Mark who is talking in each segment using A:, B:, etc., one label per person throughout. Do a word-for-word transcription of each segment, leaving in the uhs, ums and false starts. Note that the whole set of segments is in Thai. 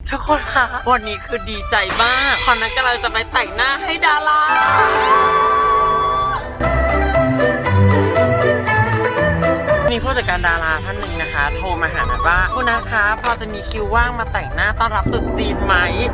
A: ทุกคนคะวันนี้คือดีใจมากเพราะนัทกำลังจะไปแต่งหน้าให้ดารามีผู้จัดการดาราท่านหนึ่งนะคะโทรมาหานัทว่าคุณนะคะพอจะมีคิวว่างมาแต่งหน้าต้อนรับตรุษจีนไหม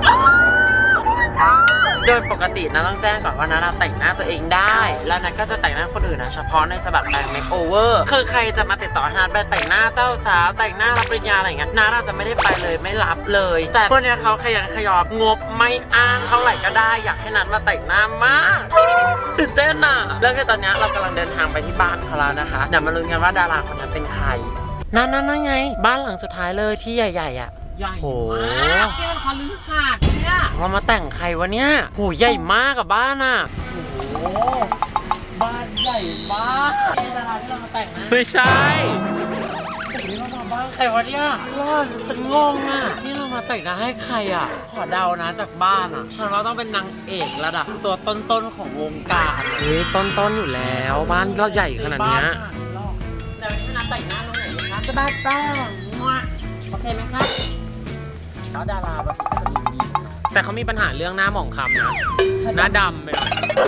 A: โดยปกตินะต้องแจ้งก่อนว่านัทแต่งหน้าตัวเองได้แล้วนัทก็จะแต่งหน้าคนอื่นนะเฉพาะในฉบับแบรนด์เมคโอเวอร์คือใครจะมาติดต่อนัทไปแต่งหน้าเจ้าสาวแต่งหน้ารับปริญญาอะไรอย่างเงี้ยนัทอาจจะไม่ได้ไปเลยไม่รับเลยแต่พวกเนี้ยเขาขยันขยอบงบไม่อ้างเท่าไหร่ก็ได้อยากให้นัทมาแต่งหน้ามากตื่นเต้นอ่ะแล้วคือตอนนี้เรากำลังเดินทางไปที่บ้านเขาแล้วนะคะเดี๋ยวมาลุ้นกันว่าดาราคนนั้นเป็นใครนั่นนั่นนั่นไงบ้านหลังสุดท้ายเลยที่ใหญ่ๆอ่ะใหญ่มากที่มันคอลือหาดเนี่ยเรามาแต่งใครวะเนี่ยโหใหญ่มากกับบ้านอ่ะโอ้บ้านใหญ่มากนี่ดาราที่เรามาแต่งนะไม่ใช่นี่เรามาบ้านใครวะเนี่ยรอดฉันงงอ่ะนี่เรามาแต่งหน้าให้ใครอ่ะขอเดานะจากบ้านอ่ะฉันว่าต้องเป็นนางเอกระดับตัวต้นๆของวงการเฮ้ยต้นๆอยู่แล้วบ้านเราใหญ่ขนาดนี้เดี๋ยวนี้นัดแต่งหน้าตรงไหนคะจะบ้านแป้งโอเคไหมครับแล้วดาราบางทีก็จะมีมีแต่เขามีปัญหาเรื่องหน้าหมองคล้ำนะหน้าดำไปหน่อย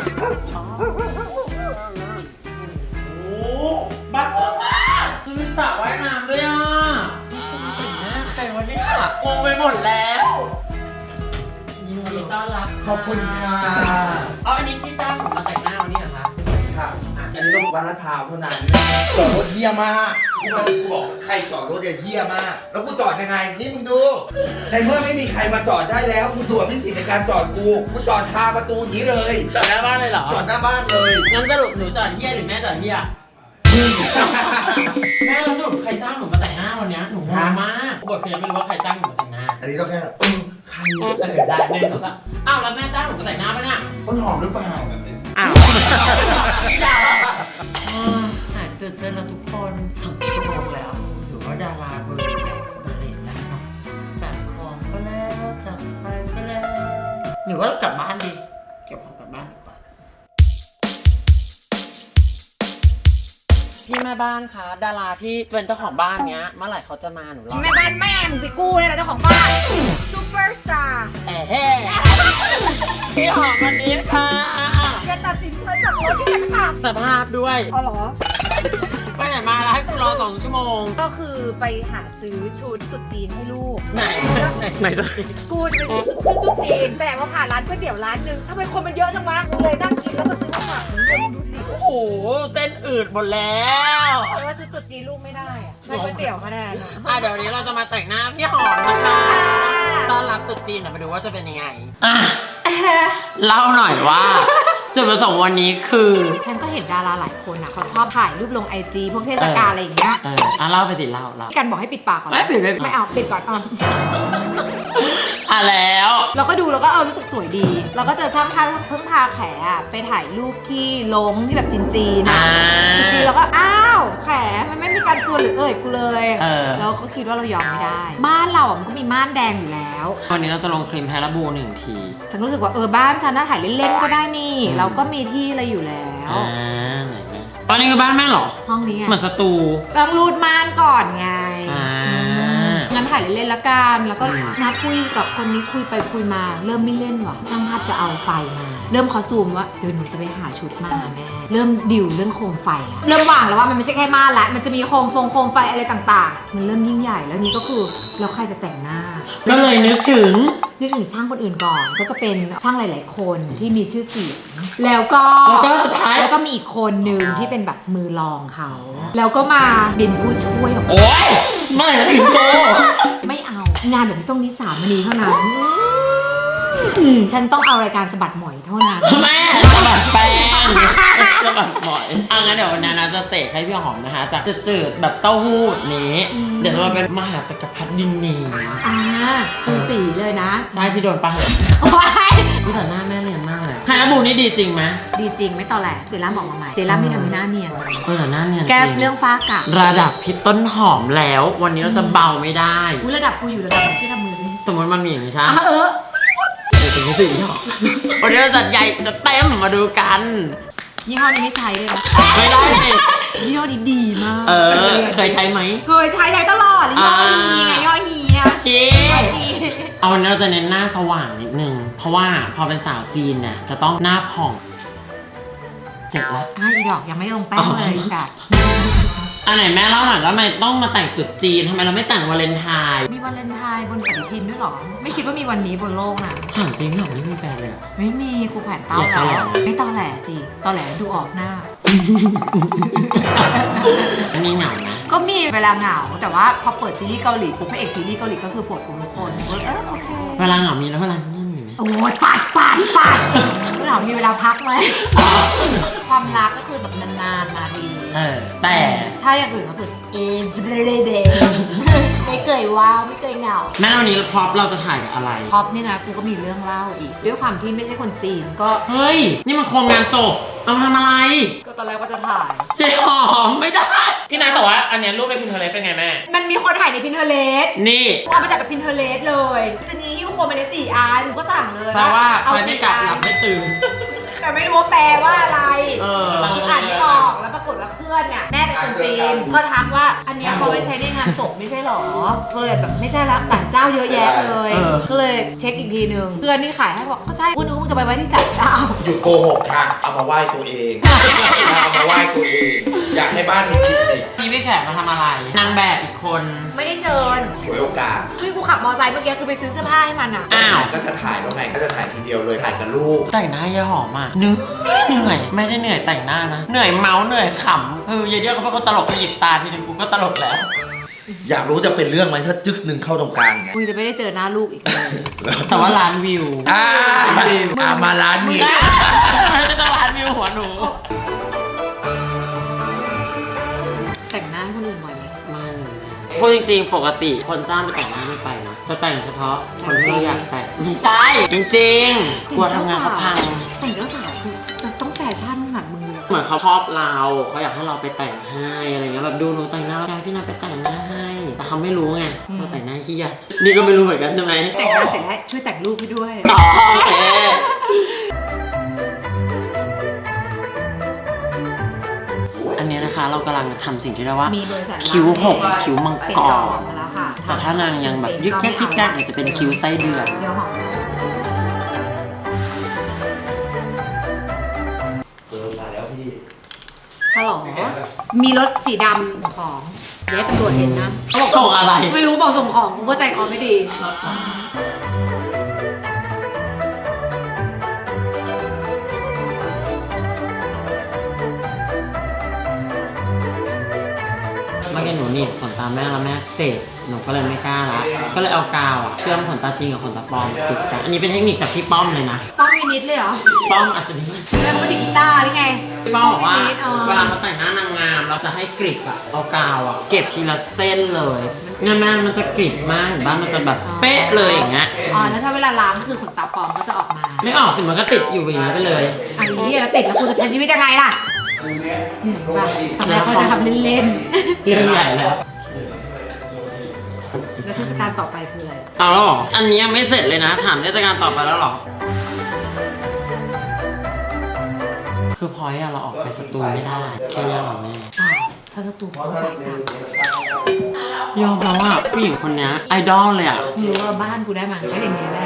A: โอ้บ้าเพิ่มมากมันมีสระว่ายน้ำด้วยอ่ะแต่งหน้าใครวะเนี่ยงงไปหมดแล้วยินดีต้อนรับ
B: ขอบคุณค่ะ
A: เอาอันนี้ที่จ้างผมมาแต่งหน้าวันนี้เหรอคะ
B: ค่ะอันนี้ต้องวันละพาวเท่านั้นจอดรถเฮี้ยมากกูมากูบอกใครจอดรถเฮี้ยมากแล้วกูจอดยังไงนี่มึงดูในเมื่อไม่มีใครมาจอดได้แล้วมึงตัวพิสิทธิ์ในการจอดกูกูจอดคาประตูอย่างนี้เลย
A: จอดหน้าบ้านเลยเหรอ
B: จอดหน้าบ้านเลย
A: งั้นสรุปหนูจอดเฮี้ยหรือแม่จอดเฮี้ยแม่สรุปใครจ้างหนูมาแต่งหน้าวันนี้หนูงงมากบทเขายังไม่รู้ว่าใครจ้างหนูมาแต่งหน้า
B: อันนี้ก็แค่เออใคร
A: เออได้เดินเขาซะอ้าวแล้วแม่จ้างหนูมาแต่งหน้าปะเนี่ย
B: ต้นหอมหรือเปล่า
A: อ้าวดาวหายตื่นเต้นแล้วทุกคนสองชั่วโมงแล้วหรือว่าดาราเบอร์ใหญ่มาเล่นแล้วเนาะจัดของก็แล้วจัดไฟก็แล้วหรือว่าเรากลับบ้านดีเก็บของกลับบ้านดีกว่าพี่แม่บ้านคะดาราที่เป็นเจ้าของบ้านเนี้ยเมื่อไหร่เขาจะมาหนูรอ
C: แม่บ้านแม่มึงไปกู้เนี่ยแหละเจ้าของบ้านซูเปอร์สตาร์
A: เอ้เฮ้พี่หอมวันนี้ค่ะ
C: อย่าตัดสินใจจากรถที่ไหนค่ะ
A: สภาพด้วย
C: อ๋อเหรอ
A: ไปไหนมาแล้วให้กูรอสองชั่วโมง
C: ก็คือไปหาซื้อชุดตุ๊จีนให้ลูก
A: ไหนไหนจะ
C: กูจะไปซื้อชุดตุ๊จีนแต่ว่าผ่านร้านก๋วยเตี๋ยวร้านนึงทำไมคนมันเยอะจังวะเลยนั่งกินแล้วก็ซื้อมาฝากมึงดูสิ
A: โอ้โหเส้นอืดหมดแล้ว
C: แต่ว่าชุดตุ๊จีนลูกไม่ได้อะได้ก๋วยเตี๋ยวมาแทน
A: อ่ะเดี๋ยววันนี้เราจะมาแต่งหน้าพี่หอมนะคะต้อนรับตุ๊จีนมาดูว่าจะเป็นยังไงอ่ะเล่าหน่อยว่าจุดประสงค์วันนี้คือ
C: ฉันก็เห็นดาราหลายคนอ่ะเขาชอบถ่ายรูปลงไอจีพวกเทศกาลอะไรอย่างเงี้ย
A: เอออ่ะเล่าไปสิเล่าเล่า
C: กันบอกให้ปิดปากก่อน
A: ไม่ปิดไม่
C: ไม่เอาปิดก่อนอ่ะ
A: อ่ะแล้ว
C: เราก็ดูแล้วก็เออรู้สึกสวยดีเราก็เจอช่างภาพเพิ่งพาแขอะไปถ่ายรูปที่ลงที่แบบจีนๆนะจีนๆเราก็อ้าวแขมันไม่มีการชวนหรือเอ่ยกูเลยแล้วก็คิดว่าเรายอมไม่ได้บ้านเราอ่ะมันก็มีม่านแดงอยู่แล้ว
A: วันนี้เราจะลงครีมแฮร์บูหนึ่งที
C: ฉันก็รู้สึกว่าเออบ้านฉันน่าถ่ายเล่นๆก็ได้นี่เราก็มีที่อะไรอยู่แล้ว
A: อ่าตอนนี้คือบ้านแม่หรอ
C: ห้องนี้
A: เหมือนสตู
C: ต้องรูดม่านก่อนไงงั้นถ่ายเล่นๆละกันแล้วก็นัดคุยกับคนนี้คุยไปคุยมาเริ่มไม่เล่นว่ะช่างภาพจะเอาไฟมาเริ่มเขาซูมว่าเดี๋ยวหนูจะไปหาชุดมาแม่เริ่มดิวเรื่องโคมไฟแล้วเริ่มวางแล้วว่ามันไม่ใช่แค่ม่านละมันจะมีโคมฟงโคมไฟอะไรต่างๆมันเริ่มยิ่งใหญ่แล้วนี้ก็คือแล้วใครจะแต่งหน้า
A: ก็เลยนึกถึง
C: นึกถึงช่างคนอื่นก่อนก็จะเป็นช่างหลายๆคนที่มีชื่อเสียงแล้วก็
A: แล้วก็สุดท้าย
C: แล้วก็มีอีกคนนึงที่เป็นแบบมือรองเขาแล้วก็มาเป็นผู้ช่วยของ
A: โอ๊ยไม่ถึงโต
C: ไม่เอางานแบบต้องนิสามณีเท่านั้นฉันต้องเอารายการสะบัดหมอยเท่านั้น
A: แม่สะบัดแป้งสะบัดหมอยอ่ะงั้นเดี๋ยววันนี้นะจะเสกให้พี่หอมนะคะจากจืดแบบเต้าหู้นี้เดี๋ยวเราเป็นมหาจักรพรรดิดินนี
C: อ่าสูสีเลยนะ
A: ใช่ที่โดนปะพี่แต่หน้าแม่เนียนมากเลยไฮร์บูนี่ดีจริงไหม
C: ดีจริงไม่ตอแหลเซรั่มบอกมาใหม่เซรั่มที่ทำให้หน้าเนียน
A: เออแต่หน้าเนียน
C: แก้เรื่องฝ้ากระ
A: ระดับพี่ต้นหอมแล้ววันนี้เราจะเบาไม่ได้
C: อุ้ยระดับกูอยู่ระดับช่วยทำมือสิ
A: สมมติมันมีอย่างนี้ใช่
C: เออ
A: เดี๋ยวถึงสี่หรอวันนี้เราจัดใหญ่จะเต็มมาดูกัน
C: ยี่ห้อนี้ไม่ใช้เลยนะ
A: ไม่ได้สิ
C: ยี่ห้อนี้ดีมาก
A: เออเคยใช้ไหม
C: เคยใช้ใช้ตลอดยี่ห้อนี้ไงยี่ห้อนี้
A: ชี้เอาวันนี้เราจะเน้นหน้าสว่างนิดนึง เพราะว่าพอเป็นสาวจีนเนี่ยจะต้องหน้าผ่องเสร็จแล้ว
C: อ่ะอีดอกยังไม่ลงแป้งเลยจ้ะ
A: อันไหนแม่เล่าหน่อยว่าทำไมต้องมาแต่งตรุ๊จีนทำไมเราไม่แต่งวาเลนไทน์
C: มีวาเลนไทน์บนปฏิทินด้วยเหรอ ไม่คิดว่ามีวันนี้บนโลกนะ
A: ถามจริงเหรอไม่มีแฟนเลยอะ
C: ไม่มีกูแผนเต้า
A: อย่า
C: แล้ว
A: ตอแหลนะ
C: ไม่ตอแหลสิตอแหลดูออกหน้า
A: อันนี้เหงานะ
C: ก็มีเวลาเหงา แต่ว่าพอเปิดซีรีส์เกาหลีปุ๊บพระเอกซีรีส์เกาหลีก็คือปวดหัวทุกคนเออโอเค
A: เวลาเหงามีแล้วเวลาเงียบมีไหม
C: โอ้ยปัดปัดปัดเหงามีเวลาพักไหม ความรักก็คือแบบนานๆมาที
A: เออแต่
C: ถ้าอย่างอื่นก็คือเอฟเดย์เดย์ไม่เคยว้าวไม่เคยเหงา
A: แม่วันนี้พร็อพเราจะถ่ายกับอะไร
C: ท็อปนี่นะกูก็มีเรื่องเล่าอีกด้วยความที่ไม่ใช่คนจีนก็
A: เฮ้ย นี่มันโครงงานศพเอามาทำอะไร
C: ก็ตอนแรกว่าจะถ่าย
A: เจ๊หอมไม่ได้ พี่นายบอกว่าอันเนี้ยรูปในพินเทอร์เรสเป็นไงแม่
C: มันมีคนถ่ายในพินเทอร์เลส
A: นี่
C: เอามาจากพินเทอร์เลสเลยชนีหิ้วโคมไปในสี่อันก็สั่งเลย
A: แปลว่า
C: เอา
A: ใครไม่
C: สี่
A: กลับ
C: อั
A: หลั
C: น
A: บไม่ตื่น
C: แต่ไม่รู้ว่าแปลว่าอะไร
A: เออ
C: อ่านไม่ออกแล้วปรากฏว่าเพื่อนเนี่ยแม่เป็นคนจีนก็ทักว่าอันเนี้ยเขาไปใช้ในงานศพไม่ใช่หรอก็เลยแบบไม่ใช่ละต่างเจ้าเยอะแยะเลย
A: เออ
C: ก็เลยเช็คอีกทีหนึ่งเพื่อนที่ขายให้บอกก็ใช่กูนึกว่ามึงจะไปไว้ที่จัดเจ้า
B: หยุดโกหกค่ะ เอามาไหว้ตัวเอง เอามาไหว้ตัวเอง อยากให้บ้านมีคลิปสิ
A: พี่พี่แขกมาทำอะไร นางแบบอีกคน
C: ไม่ได้เชิญ
B: ฉวยโอกาส
C: คือกูขับมอเตอร์ไซค์เมื่อกี้คือไปซื้อเสื้อผ้าให้มันอ่ะ
A: อ้าว
B: ก็จะถ่ายแล้วไงก็จะถ่ายทีเดียวเลยถ่ายกับลูก
A: แต่งหน้ายายหอมอ่ะเหนื่อยเหนื่อยไม่ได้เหนื่อยแต่งหน้านะ เหนื่อยเมาส์เหนื่อยขำคือยายเดียวเขาเป็นคนตลกหยิบตาทีนึงกูก็ตลกแล้ว
B: อยากรู้จะเป็นเรื่องไหมถ้าจึ๊กหนึ่งเข้าตรงกลางไง
C: กูจะไม่ได้เจอหน้าลูกอีกเลย
A: แต่ว่าล้านวิว
B: อ่า
A: วิว
B: อ่ามาร้านนี้
A: ไม่ต้องล้านวิวหัวหนู
C: แต่งหน้าให้คนอื่นบ่อยไหม
A: ไม่เลยพูดจริงๆ ปกติคนจ้างไปแต่งหน้าไม่ไปนะจะแต่งเฉพาะคนที่เราอยากแต่งไม่ใช่ จริงๆ กลัวทำงานเขาพัง
C: แต่งเจ้าสาวคือจะต้องแฟชั่นขนาดมือเลย
A: เหมือนเขาชอบเราเขาอยากให้เราไปแต่งให้อะไรเงี้ยแบบดูหนูแต่งหน้าได้พี่นาไปแต่งหน้าให้ แต่เขาไม่รู้ไงว่าแต่งหน้าขี้ยนี่ก็ไม่รู้เหมือนกันใช่ไหม
C: แต่งหน้าเสร็จแล้วช่วยแต่งรูปให้ด้วย
A: ต่อโอเคอันนี้นะคะเรากำลังทำสิ่งที่เรียกว่า
C: มีบริษัท
A: คิ้วหกคิ้วมัง
C: ติด
A: ก
C: ต่อ
A: ร
C: มาแล้วค่ะ
A: แต่ถ้านางยังแบบยึกยักยึกยักเนี่ยจะเป็นคิ้วไส้เดือน
C: เดี๋ยวหอม
B: เออมาแล้วพี่
C: ฮัลโหลมีรถสีดำของเดี๋ยวตำรวจเห็นนะเขาบอก
A: ส่งอะไร
C: ไม่รู้บอกส่งของกูก็ใจคอไม่ดี
A: เมื่อกี้หนูหนีบขนตาแม่แล้วแม่เจ็บหนูก็เลยไม่กล้าละก็เลยเอากาวอะเชื่อมขนตาจริงกับขนตาปลอมติดกันอันนี้เป็นเทคนิคจากพี่ป้อมเลยนะ
C: ป้องมีนิดเลยเหรอ
A: ป้อมอัศนี
C: แม่เขาไม่ได้กีตาร์หรือไง
A: พี่ป้อมบอกว่า
C: นิดอ๋อ
A: เวลาเขาแต่งหน้านางงามเราจะให้กริบอะเอากาวอะเก็บทีละเส้นเลยงานแม่มันจะกริบมากเห็นบ้านมันจะแบบเป๊ะเลยอย่างเงี้ย
C: อ๋อแล้วถ้าเวลาล้างคือขนตาปลอมก็จะออกมา
A: ไม่ออกสิมันก็ติดอยู่อย่างนี้ไปเลย
C: อันนี้แล้วติดแล้วกูจะใช้ชีวิตยังไงล่ะ
B: ตรงเนี้ย
C: เห็นป่ะทำไมเขาจะทำเล่น
A: เรื่องใหญ่แล้ว
C: ๆแล้วเทศกาลต่อไปคืออะไร
A: เอาแล้วเหรออันนี้ยังไม่เสร็จเลยนะถามเทศกาลต่อไปแล้วเหรอคือพอยอะเราออกไปสตูไม่ได้แค่ยังหรอแม่
C: ใช่ถ้าสตูเขาจ่ายตังค์
A: ยอมแล้วอ่ะผู้หญิงคนนี้ไอดอลเลยอ่ะ
C: มึงรู้ว่าบ้านกูได้มาก็อย่างนี้แหละ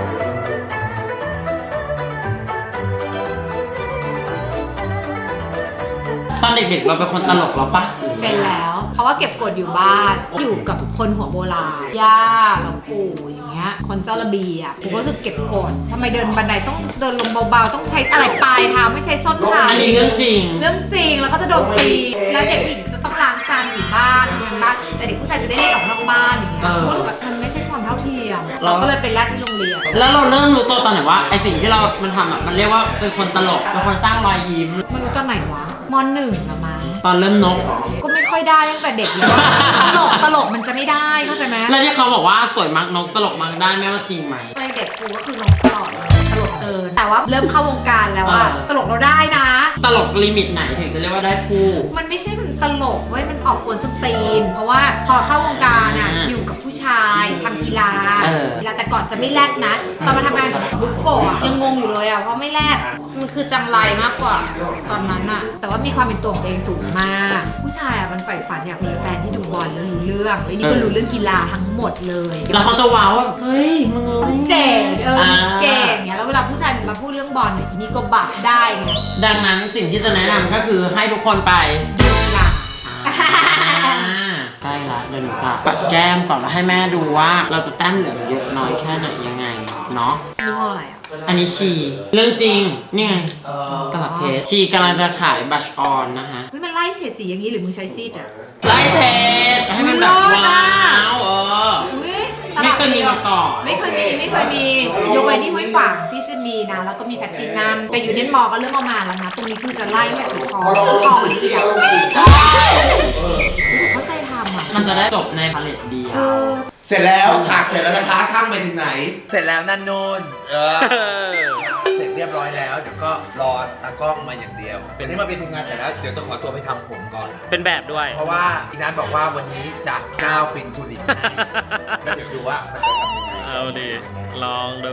A: ตอนเด็กๆเราเป็นคนตลกแล้วปะ
C: เป็นแล้ว เพราะว่าเก็บกดอยู่บ้านอยู่กับคนหัวโบราณย่าหลวงปู่อย่างเงี้ยคนเจ้าระเบียบกูก็รู้สึกเก็บกดทำไมเดินบันไดต้องเดินลงเบาๆต้องใช้อะไรปลายเท้าไม่ใช้ส้นเท้า
A: อันนี้เรื่องจริง
C: เรื่องจริงแล้วก็จะโดนตีแล้วเด็กผู้หญิงจะต้องล้างจานอยู่บ้านทำบ้านแต่เด็กผู้ชายจะได้เล่นออกนอกบ้านอย่างเงี้ย
A: เออ
C: กูรู้สึกแบบมันไม่ใช่ความเท่าเทียม
A: เรา
C: เราก็เลยไปแลกที่โรงเรียน
A: แล้วเราเริ่มรู้ตัวตอนไหนว่าไอสิ่งที่เรา มันทำอ่ะ มันเรียกว่าเป็นคนตลก เป็นคนสร้างรอยยิ้ม
C: มันรู้ตอนไหนวะมหนึ่งละมั้ง
A: ตอนเริ่มนก
C: ก็ไม่ค่อยได้ตั้งแต่เด็กเลยตลกตลกมันจะไม่ได้เข้าใจไหม
A: แล้วที่เขาบอกว่าสวยมักนกตลกมักได้แม่ว่าจริงไหม
C: ในเด็กกูก็คือนกตลอดเลยตลกเกินแต่ว่าเริ่มเข้าวงการแล้วอะ
A: เออ
C: ตลกเราได้นะ
A: ตลกลิมิตไหนถึงจะเรียกว่าได้ผู้
C: มันไม่ใช่มันตลกเว้ยมันออกกวนสตรีนเพราะว่าพอเข้าวงการอะ
A: อ่า
C: อยู่กับผู้ชชายทำกีฬา
A: เออ
C: กีฬาแต่ก่อนจะไม่แลกนะตอนมาทำงานบุ๊กโกะอะยังงงอยู่เลยอ่ะเพราะไม่แลกมันคือจังไรมากกว่าตอนนั้นอ่ะแต่ว่ามีความเป็นตัวของตัวเองสูงมาก ผู้ชายอ่ะมันใฝ่ฝันอยากมีแฟนที่ดูบอลแล้วรู้เรื่องแล้วนี่ก็รู้เรื่องกีฬาทั้งหมดเลย
A: แล้วเขาจะว้าวว่าเฮ้ยมึงรู้ได้ไง
C: เจ๋งเออ
A: อ่า
C: เก่งเนี่ยแล้วเวลาผู้ชายมาพูดเรื่องบอลเนี่ยอีนี่ก็บักได้ไง
A: ดังนั้นสิ่งที่จะแนะนำก็คือให้ทุกคนไป
C: ดูกีฬา
A: ใกล้ละเดี๋ยวหนูจะปัดแก้มก่อนแล้วให้แม่ดูว่าเราจะแต้มเหลืองเยอะน้อยแค่ไหนยังไงเนาะ
C: ยี่ห้ออะไรอ่ะ
A: อันนี้ชีเรื่องจริงนี่ไงตลับเทสชีกำลังจะขายบัชออนนะคะ
C: เฮ้ยมันไล่เฉดสีอย่างนี้หรือมึงใช้ซีดอ่ะ
A: ไล่เทสให้มันแบบว้าวเออ
C: อุ๊ยต
A: ไม่
C: ลาด
A: เคยมีมาก่อน
C: ไม่เคยมีไม่เคยมียกเว้นที่ห้วยขวางที่จะมีนะแล้วก็มีแพลตตินัมแต่อยู่เน้นมอก็เริ่มเอามาแล้วนะตรงนี้คือจะไล่ตั้งแต่สีทองทองนี่อ่ะเข้าใจทำอ่ะ
A: มันจะได้จบในพาเลตเดียว
C: เออ
B: เสร็จแล้วฉากเสร็จแล้วนะคะช่างไปถึงไหน เสร็จแล้วนั่นนูนเออ เสร็จเรียบร้อยแล้วเดี๋ยวก็รอตากล้องมาอย่างเดียววันนี้มาเป็นทีมงานเสร็จแล้วเดี๋ยวจะขอตัวไปทำผมก่อน
A: เป็นแบบด้วย
B: เพราะว่าอีนัทบอกว่าวันนี้จะก้าวเป็นทุลินให้แล้วเดี๋ยวดูว่ามันจะทำยังไง
A: เอาดิลองดู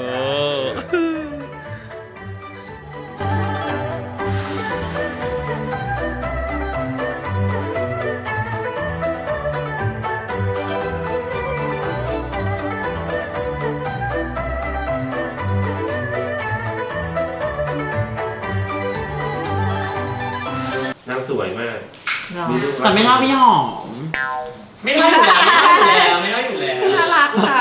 D: นางสวยมาก
C: เหรอ
A: แต่ไม่เท่าพี่หอม
D: ไม่ได้อยู่แล้วไม่ได้อยู่แล้วไม่ได้อยู่แล้ว
C: น่ารักค่ะ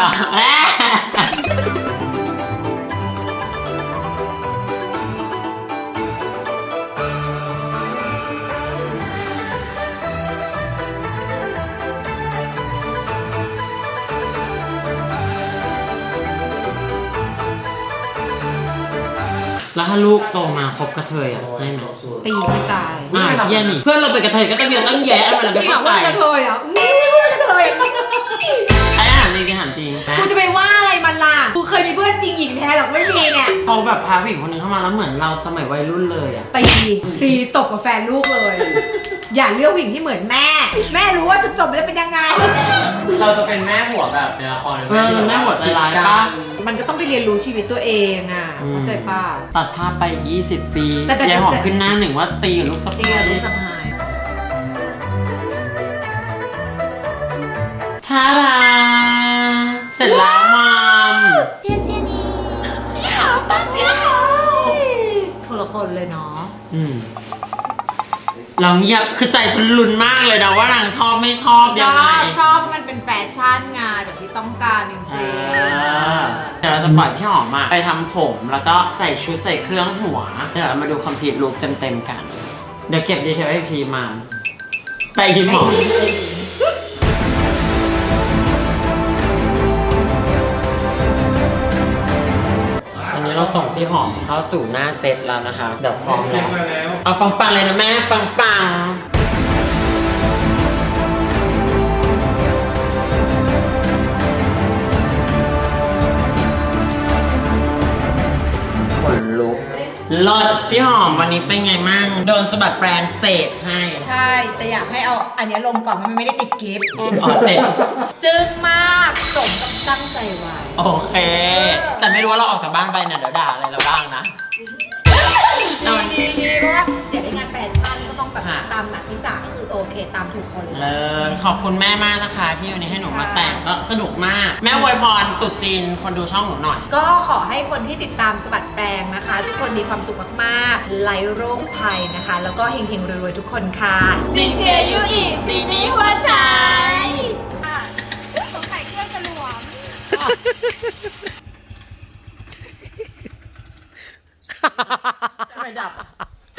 A: แล้วถ้าลูกโตมาคบกระเทยอ่ะให้ไหม
C: ตีไม่ตาย
A: อ่ะเยี่ยนี่เพื่อนเราเป็นกระเทยก็ต้องเยอะตั้งแยะอะไร
C: จริงเหรอ
A: ไป
C: ว่าเป็นกระเทยอ่ะอุ้ยกระเทย
A: ไอ้อาหารจริงอาหารจริง
C: กูจะไปว่าอะไรมันล่ะกูเคยมีเพื่อนจริงหญิงแท้หรอกไม่มีเนี่ย
A: เขาแบบพาผู้หญิงคนนึงเข้ามาแล้วเหมือนเราสมัยวัยรุ่นเลยอ่ะ
C: ตีตีตบกับแฟนลูกเลย อย่าเลือกผู้หญิงที่เหมือนแม่ แม่รู้ว่าจุดจบแล้วเป็นยังไง
D: เราจะเป็นแม่หัวแบบในละคร
A: เออแม่หัวใจร้ายป่ะ
C: มันก็ต้องไปเรียนรู้ชีวิตตัวเองอ่ะเข้าใจป่ะ
A: ตัดภาพไปยี่สิบปี
C: แต่แต่
A: ยายหอมขึ้นหน้าหนึ่งว่าตีกับลูกสะ
C: ตี
A: พ้า
C: กับลู
A: ย
C: กสะพ้าย
A: ท่าดาเสร็จแล้วมัม
C: เชียร์เชียร์นี่หาป้าเชียร์หายคนละคนเลยเนาะ
A: อืมเราเงียบคือใจฉันลุ้นมากเลยนะว่านางชอบไม่ชอบ
C: ช
A: ยัง
C: อ
A: ไง
C: บชอบมันเป็นแฟชั่นไงแบบที่ต้องการจริง
A: เออเดี๋ยวเราจะปล่อยพี่หอมอะไปทำผมแล้วก็ใส่ชุดใส่เครื่องหัวเดี๋ยวเรามาดูคอมพลีทลุคเต็มๆกัน เดี๋ยวเก็บดีเทลให้พีมาไปทีหมออันนี้เราส่งพี่หอมเข้าสู่หน้าเซตแล้วนะคะเดี๋ยวพร้อมแล้ว
D: มาแล้ว
A: เอาปังๆเลยนะแม่ปังๆขนลุกเลิศพี่หอมวันนี้เป็นไงมั่งโดนสะบัดแปรงเศษให้
C: ๆใช่ แต่อยากให้เอาอันนี้ลงก่อนเพราะมันไม่ได้ติดกิฟต์
A: อ๋อเจ็ด
C: จึ้งมากสมกับตั้งใจไว้
A: โอเค แต่ไม่รู้ว่าเราออกจากบ้านไปเนี่ยเดี๋ยวด่าอะไรเราบ้างนะ
C: ดีดีดีเพราะว่าอยากได้งานแฟชั่นก็ต้องแบบ
A: ค่ะ
C: ตามหลักที่สามคือโอเคตามถูกคนเลย
A: เลิศขอบคุณแม่มากนะคะ ที่วันนี้ให้หนูมาแต่งก็สนุกมาก แม่อวยพรตรุษจีนคนดูช่องหนูหน่อย
C: ก็ขอให้คนที่ติดตามสะบัดแปลงนะคะ ทุกคนมีความสุขมากๆไร้โรคภัยนะคะ แล้วก็เฮงๆรวยๆทุกคนค่ะซินเจยุอีซีนี้หัวใจสงสัยเครื่องจะหลวม
A: ทำไมดับ